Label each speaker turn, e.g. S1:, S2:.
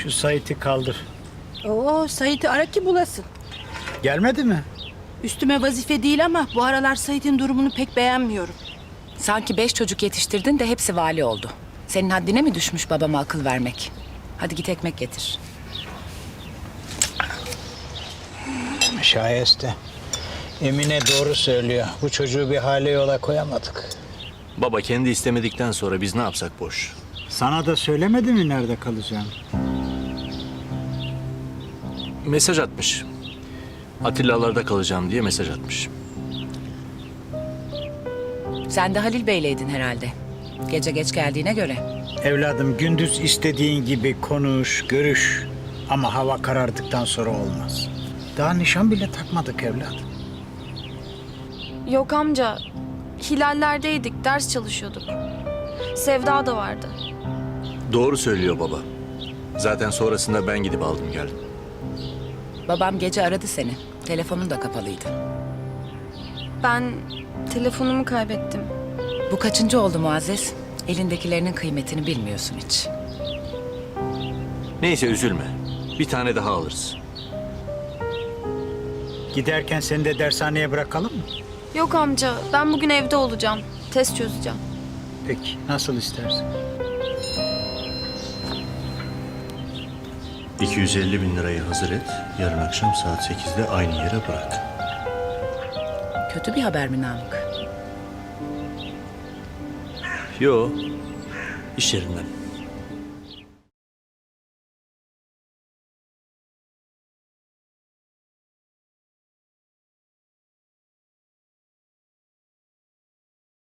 S1: Şu Sait'i kaldır.
S2: Oo, Sait'i ara ki bulasın.
S1: Gelmedi mi?
S2: Üstüme vazife değil ama bu aralar Sait'in durumunu pek beğenmiyorum.
S3: Sanki 5 çocuk yetiştirdin de hepsi vali oldu. Senin haddine mi düşmüş babama akıl vermek? Hadi git ekmek getir.
S1: Şayeste. Emine doğru söylüyor. Bu çocuğu bir hale yola koyamadık.
S4: Baba kendi istemedikten sonra biz ne yapsak boş.
S1: Sana da söylemedi mi nerede kalacağım?
S4: Mesaj atmış. Atilla'larda kalacağım diye mesaj atmış.
S3: Sen de Halil Bey'leydin herhalde. Gece geç geldiğine göre.
S1: Evladım gündüz istediğin gibi konuş, görüş. Ama hava karardıktan sonra olmaz. Daha nişan bile takmadık evladım.
S5: Yok amca. Hilallerdeydik, ders çalışıyorduk. Sevda da vardı.
S4: Doğru söylüyor baba. Zaten sonrasında ben gidip aldım geldim.
S3: Babam gece aradı seni. Telefonun da kapalıydı.
S5: Ben telefonumu kaybettim.
S3: Bu kaçıncı oldu Muazzez? Elindekilerinin kıymetini bilmiyorsun hiç.
S4: Neyse üzülme. Bir tane daha alırız.
S1: Giderken seni de dershaneye bırakalım mı?
S5: Yok amca, ben bugün evde olacağım. Test çözeceğim.
S1: Peki, nasıl istersen.
S4: 250 bin lirayı hazır et. Yarın akşam saat 8'de aynı yere bırak.
S3: Kötü bir haber mi Namık?
S4: Yo. İş yerinden.